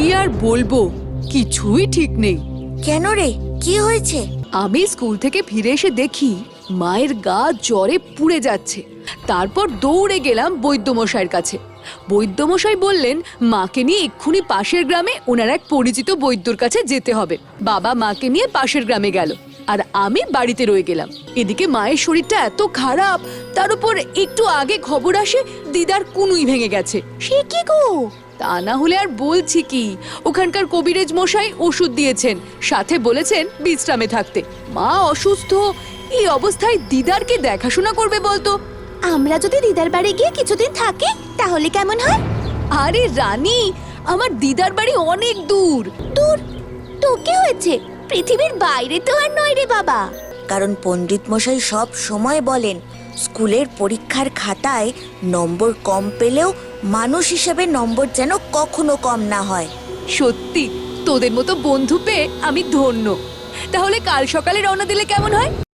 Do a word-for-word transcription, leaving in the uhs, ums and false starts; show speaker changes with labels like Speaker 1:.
Speaker 1: আর বলবো, কিছুই ঠিক নেই।
Speaker 2: কেন রে, কি হয়েছে?
Speaker 1: আমি স্কুল থেকে ফিরে এসে দেখি মায়ের গা জ্বরে পুড়ে যাচ্ছে। তারপর দৌড়ে গেলাম বৈদ্যমশাইয়ের কাছে। বৈদ্যমশাই বললেন মাকে নিয়ে এক্ষুনি পাশের গ্রামে ওনার এক পরিচিত বৈদ্যর কাছে যেতে হবে। বাবা মাকে নিয়ে পাশের গ্রামে গেল, আর আমি বাড়িতে রয়ে গেলাম। এদিকে মায়ের শরীরটা এত খারাপ, তার উপর একটু আগে খবর আসে দিদার কুনুই ভেঙে গেছে।
Speaker 2: সে কি গো?
Speaker 1: তা না হলে আর বলছি কি, ওখানকার কবিরাজ মশাই ওষুধ দিয়েছেন, সাথে বলেছেন বিশ্রামে থাকতে। মা অসুস্থ, এই অবস্থায় দিদারকে দেখাশোনা করবে বলতো?
Speaker 2: আমরা যদি দিদার বাড়ি গিয়ে কিছুদিন থাকি তাহলে কেমন হয়?
Speaker 1: আরে রানী, আমার দিদার বাড়ি অনেক দূর।
Speaker 2: দূর? তো কি হয়েছে, পৃথিবীর বাইরে তো আর নয় রে বাবা। কারণ পণ্ডিত মশাই সব সময় বলেন স্কুলের পরীক্ষার খাতায় নম্বর কম পেলেও মানুষ হিসেবে নম্বর যেন কখনো কম না হয়।
Speaker 1: সত্যি তোদের মতো বন্ধু পেয়ে আমি ধন্য। তাহলে কাল সকালে রওনা দিলে কেমন হয়?